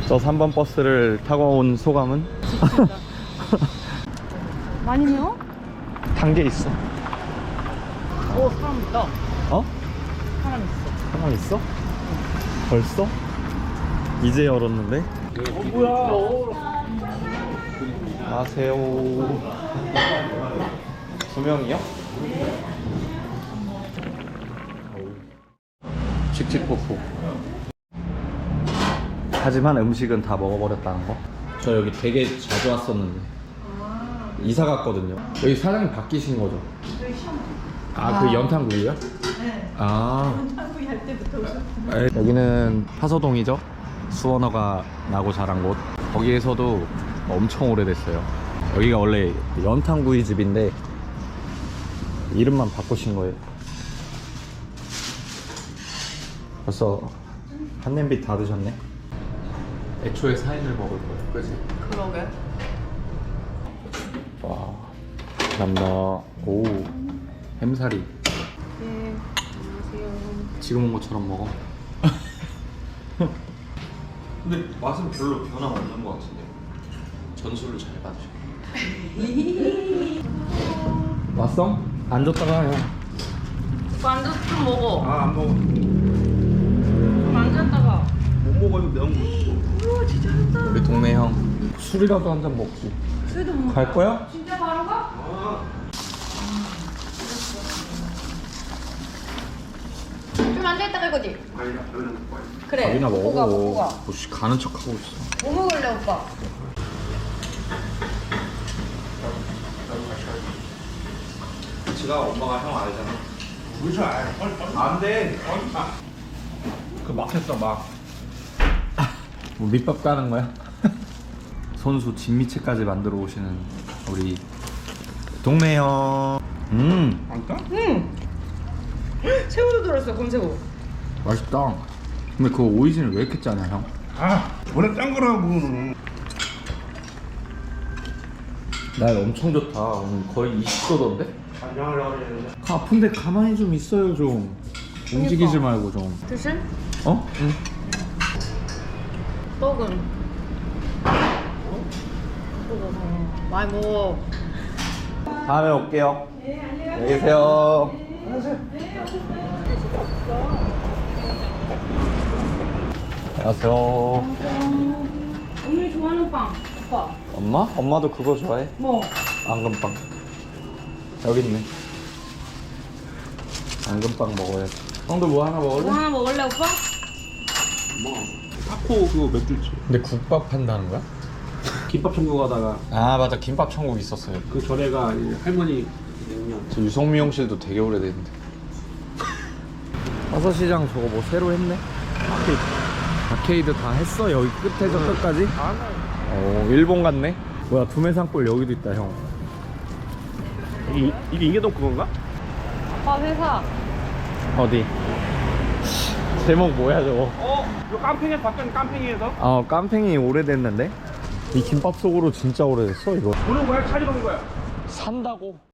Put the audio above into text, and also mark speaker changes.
Speaker 1: 저 3번 버스를 타고 온 소감은?
Speaker 2: 많이 매워?
Speaker 1: 단계 있어.
Speaker 2: 오, 사람 있다.
Speaker 1: 어?
Speaker 2: 사람 있어.
Speaker 1: 사람 있어? 벌써? 이제 열었는데?
Speaker 2: 뭐야?
Speaker 1: 안녕하세요. 두 명이요? 칙칙폭폭. 하지만 음식은 다 먹어버렸다는 거. 저 여기 되게 자주 왔었는데 이사 갔거든요. 여기 사장님 바뀌신 거죠? 아, 그 연탄구이요? 네. 아, 연탄구이 할 때부터 오셨구나. 여기는 파서동이죠. 수원어가 나고 자란 곳. 거기에서도 엄청 오래됐어요. 여기가 원래 연탄구이 집인데 이름만 바꾸신 거예요. 벌써 한 냄비 다 드셨네. 애초에 4인을 먹을 거예요. 그치?
Speaker 2: 그러게.
Speaker 1: 와, 감사합니다. 오, 햄사리.
Speaker 2: 네, 안녕하세요.
Speaker 1: 지금 온 것처럼 먹어. 근데 맛은 별로 변화 없는 것 같은데. 전술을 잘 받으셔. 왔어? 앉았다가 형.
Speaker 2: 완전 좀 먹어.
Speaker 3: 아, 안 먹어.
Speaker 2: 좀 앉았다가.
Speaker 3: 못 먹어도 너무 맛있어.
Speaker 2: 우와, 진짜 잘한다.
Speaker 1: 우리 동네 형 술이라도 한 잔 먹지.
Speaker 2: 술도 먹어.
Speaker 1: 갈 거야?
Speaker 2: 진짜 바로 가? 좀 앉아있다 갈 거지?
Speaker 3: 아니야, 여기는 못 봐요.
Speaker 2: 그래.
Speaker 1: 밥이나
Speaker 2: 먹고 가, 먹고
Speaker 1: 먹어.
Speaker 2: 가.
Speaker 1: 뭐씨 가는 척 하고 있어.
Speaker 2: 뭐 먹을래, 오빠?
Speaker 1: 지가 엄마가 형 알잖아.
Speaker 3: 그렇죠. 안 돼. 그 막혔어, 막.
Speaker 1: 뭐 밑밥 까는 거야? 손수 진미채까지 만들어 오시는 우리 동네 형.
Speaker 3: 안 따?
Speaker 2: 응. 새우도 들었어, 검새우.
Speaker 1: 맛있다. 근데 그 오이진을 왜 이렇게 짜냐 형?
Speaker 3: 아, 원래 짠 거라고.
Speaker 1: 날 엄청 좋다. 오늘 거의 20도던데?
Speaker 3: 간장을 넣어야 되는데.
Speaker 1: 아픈데 가만히 좀 있어요 좀. 움직이지 말고 좀.
Speaker 2: 드실?
Speaker 1: 어? 응.
Speaker 2: 떡은? 많이 먹어.
Speaker 1: 다음에 올게요. 안녕히 계세요. 안녕하세요.
Speaker 2: 언니 좋아하는 빵, 오빠.
Speaker 1: 엄마? 엄마도 그거 좋아해?
Speaker 2: 뭐?
Speaker 1: 앙금빵. 여기 있네. 앙금빵 먹어야지. 형도 뭐 하나 먹을래?
Speaker 2: 뭐 하나 먹을래, 오빠?
Speaker 3: 타코 그거 맥주 있지.
Speaker 1: 근데 국밥 판다는 거야?
Speaker 3: 김밥 천국 가다가
Speaker 1: 아 맞아, 김밥 천국 있었어요.
Speaker 3: 그 전에가 이제 할머니 냉면.
Speaker 1: 저 유성미 형실도 되게 오래됐는데. 화서시장 저거 뭐 새로 했네? 아케이드 다 했어? 여기 끝에서 끝까지? 일본 같네? 뭐야, 두메산골 여기도 있다 형.
Speaker 3: 이게 인계동 그건가?
Speaker 2: 아빠 회사.
Speaker 1: 어디? 제목 뭐야 저거?
Speaker 3: 이거 깜팽이에서 바뀐 깜팽이에서?
Speaker 1: 깜팽이 오래됐는데? 이 김밥 속으로 진짜 오래됐어 이거.
Speaker 3: 보는 거야? 찾으러 온 거야?
Speaker 1: 산다고?